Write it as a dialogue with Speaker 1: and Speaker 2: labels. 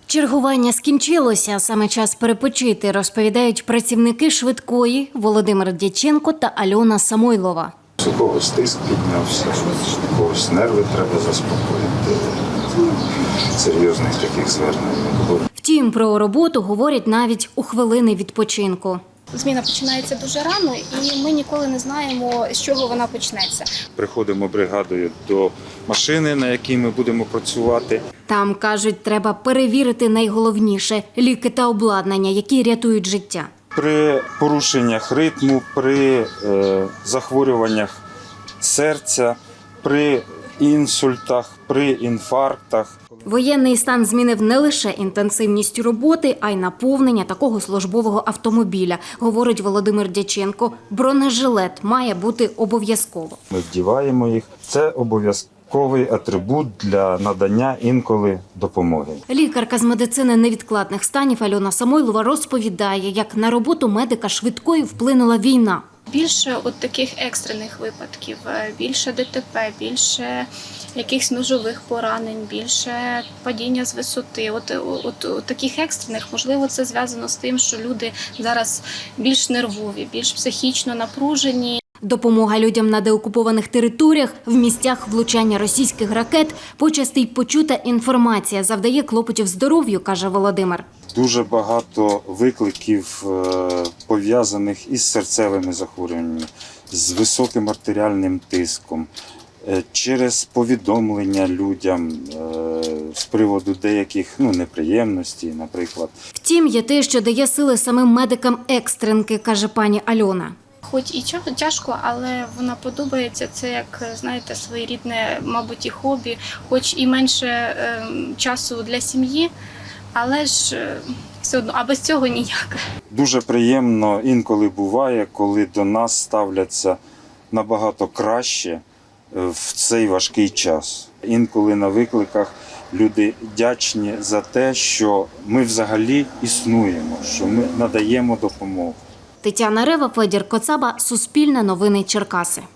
Speaker 1: Чергування скінчилося, саме час перепочити, розповідають працівники швидкої Володимир Дяченко та Альона Самойлова.
Speaker 2: У когось тиск піднявся, у когось нерви треба заспокоїти. Серйозних таких звернень не було.
Speaker 1: Втім, про роботу говорять навіть у хвилини відпочинку.
Speaker 3: Зміна починається дуже рано, і ми ніколи не знаємо, з чого вона почнеться.
Speaker 2: Приходимо бригадою до машини, на якій ми будемо працювати.
Speaker 1: Там, кажуть, треба перевірити найголовніше – ліки та обладнання, які рятують життя.
Speaker 2: При порушеннях ритму, при захворюваннях серця, при інсультах, при інфарктах.
Speaker 1: Воєнний стан змінив не лише інтенсивність роботи, а й наповнення такого службового автомобіля, говорить Володимир Дяченко. Бронежилет має бути обов'язково.
Speaker 2: Ми вдіваємо їх. Це обов'язковий атрибут для надання інколи допомоги.
Speaker 1: Лікарка з медицини невідкладних станів Альона Самойлова розповідає, як на роботу медика швидкої вплинула війна.
Speaker 3: Більше от таких екстрених випадків, більше ДТП, більше якихось ножових поранень, більше падіння з висоти. От таких екстрених, можливо, це зв'язано з тим, що люди зараз більш нервові, більш психічно напружені.
Speaker 1: Допомога людям на деокупованих територіях, в місцях влучання російських ракет, почасти й почута інформація завдає клопотів здоров'ю, каже Володимир.
Speaker 2: Дуже багато викликів, пов'язаних із серцевими захворюваннями, з високим артеріальним тиском, через повідомлення людям з приводу деяких неприємностей, наприклад.
Speaker 1: Втім, є те, що дає сили самим медикам екстренки, каже пані Альона.
Speaker 3: Хоч і тяжко, але вона подобається. Це, як, знаєте, своєрідне, мабуть, і хобі, хоч і менше часу для сім'ї, але ж все одно, а без цього ніяк.
Speaker 2: Дуже приємно інколи буває, коли до нас ставляться набагато краще в цей важкий час. Інколи на викликах люди вдячні за те, що ми взагалі існуємо, що ми надаємо допомогу.
Speaker 1: Тетяна Рева, Федір Коцаба, Суспільне новини Черкаси.